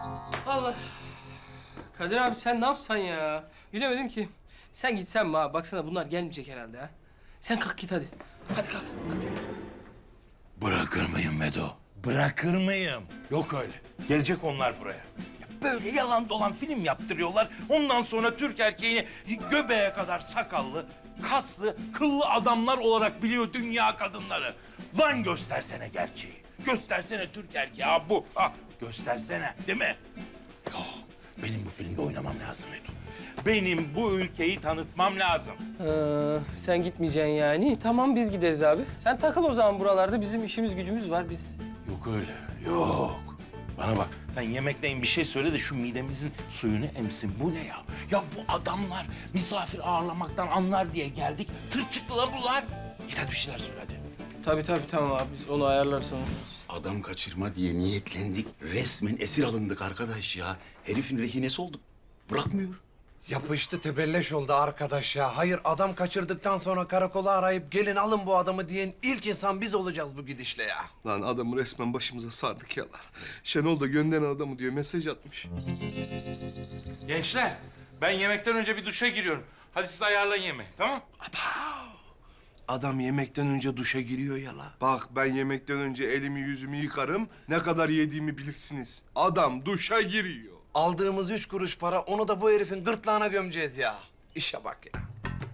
Allah. Kadir abi sen ne yapsan ya? Bilemedim ki. Sen gitsen mi abi? Baksana bunlar gelmeyecek herhalde ha. Sen kalk git hadi. Hadi kalk. Bırakır mıyım Medo? Bırakır mıyım? Yok öyle. Gelecek onlar buraya. Ya böyle yalan dolan film yaptırıyorlar. Ondan sonra Türk erkeğini göbeğe kadar sakallı, kaslı, kıllı adamlar olarak biliyor dünya kadınları. Lan göstersene gerçeği. Göstersene Türk erkeği. Ha bu. Ha göstersene. Değil mi? Yok. Benim bu filmde oynamam lazım Medo. Benim bu ülkeyi tanıtmam lazım. Sen gitmeyeceksin yani. Tamam biz gideriz abi. Sen takıl o zaman buralarda. Bizim işimiz gücümüz var biz. Yok öyle, yok. Bana bak, sen yemekten bir şey söyle de şu midemizin suyunu emsin. Bu ne ya? Ya bu adamlar misafir ağırlamaktan anlar diye geldik. Tır çıktılar bunlar. Git hadi bir şeyler söyle hadi. Tabii tamam abi. Biz onu ayarlarız sonra. Adam kaçırma diye niyetlendik. Resmen esir alındık arkadaş ya. Herifin rehinesi olduk. Bırakmıyor. Yapıştı tebelleş oldu arkadaş ya. Hayır adam kaçırdıktan sonra karakola arayıp gelin alın bu adamı diyen ilk insan biz olacağız bu gidişle ya. Lan adamı resmen başımıza sardık ya lan. Şenol da gönderen adamı diyor mesaj atmış. Gençler, ben yemekten önce bir duşa giriyorum. Hadi siz ayarlayın yemeği, tamam? Adam yemekten önce duşa giriyor ya la. Bak ben yemekten önce elimi yüzümü yıkarım. Ne kadar yediğimi bilirsiniz. Adam duşa giriyor. Aldığımız 3 kuruş para onu da bu herifin gırtlağına gömeceğiz ya. İşe bak ya.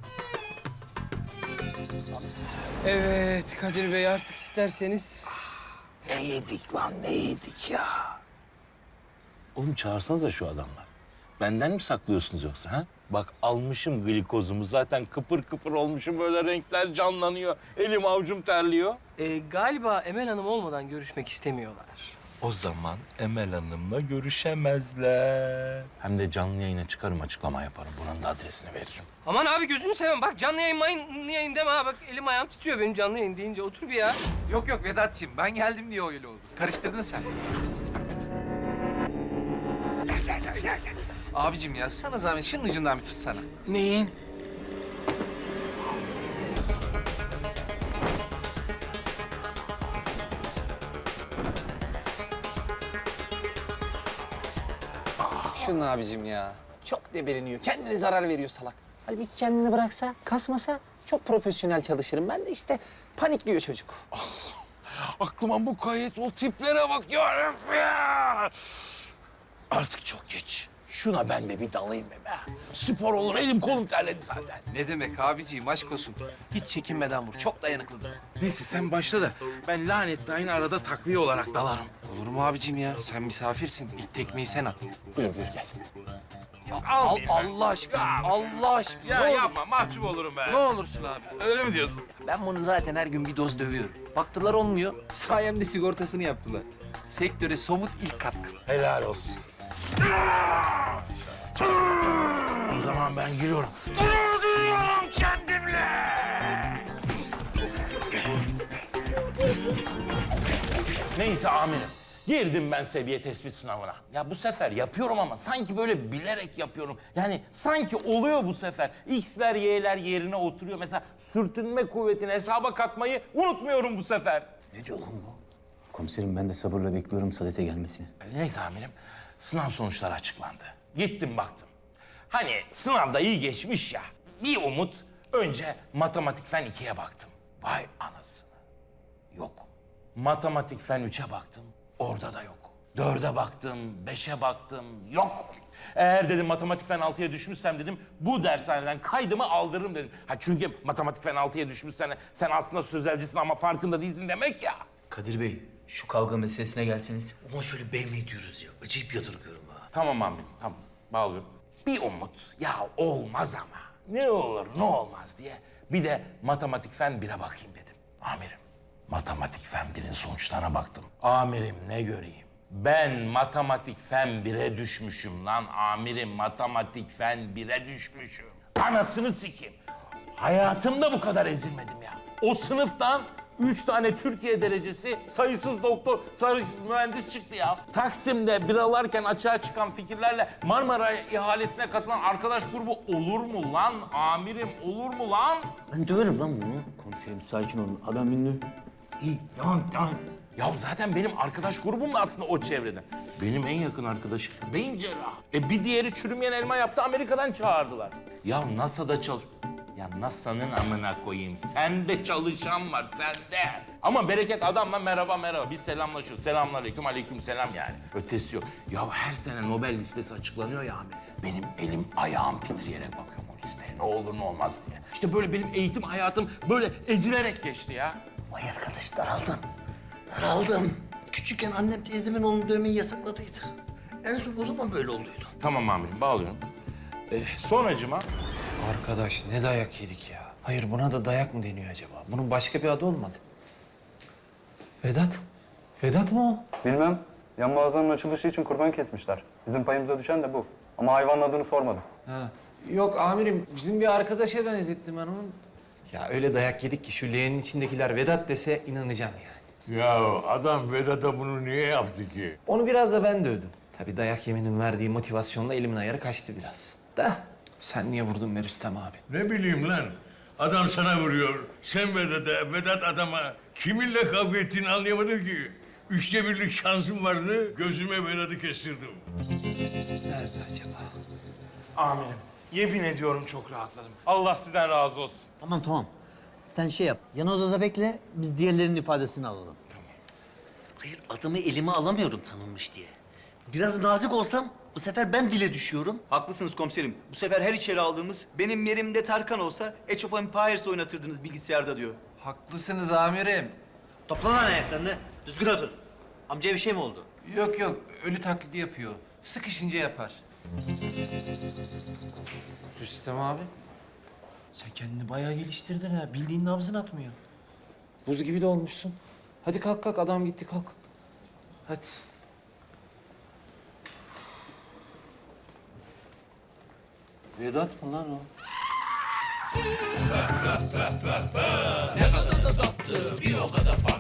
Evet Kadir Bey artık isterseniz. Ne yedik lan, ne yedik ya? Oğlum çağırsanıza şu adamlar. Benden mi saklıyorsunuz yoksa ha? Bak almışım glikozumu zaten kıpır kıpır olmuşum böyle renkler canlanıyor. Elim avucum terliyor. Galiba Emel Hanım olmadan görüşmek istemiyorlar. O zaman Emel Hanım'la görüşemezler. Hem de canlı yayına çıkarım açıklama yaparım. Buranın da adresini veririm. Aman abi gözünü seveyim. Bak canlı yayın deme ha. Bak elim ayağım titriyor benim canlı yayın deyince. Otur bir ya. Yok Vedat'cığım ben geldim diye öyle oldu. Karıştırdın sen. Abicim ya sana zahmet şunun ucundan bir tutsana. Neyin? Şunun abicim ya. Çok debeleniyor. Kendine zarar veriyor salak. Halbuki kendini bıraksa, kasmasa çok profesyonel çalışırım. Ben de işte panikliyor çocuk. Aklıma mukayyet o tiplere bak ya. Artık çok geç. Şuna ben de bir dalayım be. Spor olur, elim kolum terledi zaten. Ne demek abiciğim aşk olsun. Hiç çekinmeden vur. Çok dayanıklıdır. Neyse sen başla da ben lanetli aynı arada takviye olarak dalarım. Olur mu abiciğim ya? Sen misafirsin. İlk tekmeyi sen at. Buyur gel. Allah aşkına. Allah aşkına. Ya ne olur. yapma mahcup olurum ben. Ne olursun abi. Öyle mi diyorsun? Ben bunu zaten her gün bir doz dövüyorum. Baktılar olmuyor. Sayemde sigortasını yaptılar. Sektöre somut ilk katkı. Helal olsun. O zaman ben giriyorum. Duruyorum kendimle. Neyse amirim. Girdim ben seviye tespit sınavına. Ya bu sefer yapıyorum ama sanki böyle bilerek yapıyorum. Yani sanki oluyor bu sefer. X'ler, Y'ler yerine oturuyor. Mesela sürtünme kuvvetini hesaba katmayı unutmuyorum bu sefer. Ne diyor lan bu? Komiserim ben de sabırla bekliyorum Sadet'e gelmesini. Neyse amirim, sınav sonuçları açıklandı. Gittim baktım. Hani sınavda iyi geçmiş ya. Bir umut, önce matematik fen 2'ye baktım. Vay anasını. Yok. Matematik fen 3'e baktım, orada da yok. 4'e baktım, 5'e baktım, yok. Eğer dedim matematik fen 6'ya düşmüşsem dedim, bu dershaneden kaydımı aldırırım dedim. Ha çünkü matematik fen 6'ya düşmüşsen sen aslında sözelcisin ama farkında değilsin demek ya. Kadir Bey, şu kavga meselesine gelseniz. Ama şöyle BM diyoruz ya. Acayip yadırgıyorum ha. Tamam amirim, tamam. Bağlıyorum. Bir umut, ya olmaz ama. Ne olur, ne olmaz diye. Bir de matematik fen 1'e bakayım dedim. Amirim, matematik fen 1'in sonuçlarına baktım. Amirim ne göreyim? Ben matematik fen 1'e düşmüşüm lan amirim. Matematik fen 1'e düşmüşüm. Anasını sikeyim. Hayatımda bu kadar ezilmedim ya. O sınıftan 3 tane Türkiye derecesi, sayısız doktor, sayısız mühendis çıktı ya. Taksim'de biralarken açığa çıkan fikirlerle Marmara ihalesine katılan arkadaş grubu olur mu lan amirim, olur mu lan? Ben döverim lan bunu. Komiserim sakin olun. Adam ünlü. İyi, tamam. Ya zaten benim arkadaş grubum da aslında o çevreden. Benim en yakın arkadaşım beyin cerrahı. Bir diğeri çürümeyen elma yaptı, Amerika'dan çağırdılar. Ya NASA'da Ya NASA'nın amına koyayım. Sende çalışan var, sende. Ama bereket adamla merhaba. Biz selamlaşıyoruz. Selamünaleyküm, aleykümselam yani. Ötesi yok. Ya her sene Nobel listesi açıklanıyor ya abi. Benim elim ayağım titreyerek bakıyorum o listeye. Ne olur ne olmaz diye. İşte böyle benim eğitim hayatım böyle ezilerek geçti ya. Vay arkadaş daraldım. Daraldım. Küçükken annem teyzemin onu dövmeyi yasakladıydı. En son o zaman böyle olduydu. Tamam amirim, bağlıyorum. Sonracıma Arkadaş ne dayak yedik ya. Hayır buna da dayak mı deniyor acaba? Bunun başka bir adı olmadı. Vedat. Vedat mı o? Bilmem. Yan mağazanın açılışı için kurban kesmişler. Bizim payımıza düşen de bu. Ama hayvanın adını sormadım. Ha. Yok amirim bizim bir arkadaşa benzettim ben onu. Ya öyle dayak yedik ki şu leğenin içindekiler Vedat dese inanacağım yani. Ya adam Vedat'a bunu niye yaptı ki? Onu biraz da ben dövdüm. Tabii dayak yemenin verdiği motivasyonla elimin ayarı kaçtı biraz. Da sen niye vurdun be Rüstem abi? Ne bileyim lan. Adam sana vuruyor. Sen Vedat'a, Vedat adama. Kiminle kavga ettiğini anlayamadım ki. 1/3'lük şansım vardı. Gözüme Vedat'ı kestirdim. Nerede acaba? amirim, yemin ediyorum çok rahatladım. Allah sizden razı olsun. Tamam. Sen şey yap. Yan odada bekle. Biz diğerlerinin ifadesini alalım. Hayır adamı elime alamıyorum tanınmış diye. Biraz nazik olsam bu sefer ben dile düşüyorum. Haklısınız komiserim. Bu sefer her içeri aldığımız benim yerimde Tarkan olsa Age of Empires oynatırdınız bilgisayarda diyor. Haklısınız amirim. Topla lan ayaklarını. Düzgün otur. Amcaya bir şey mi oldu? Yok ölü taklidi yapıyor. Sıkışınca yapar. Rüstem abi. Sen kendini bayağı geliştirdin ha. Bildiğin nabzın atmıyor. Buz gibi de olmuşsun. Hadi kalk adam gitti kalk. Hadi. Vedat mı lan o? Ne kadar da tatlı, bir o kadar farklı.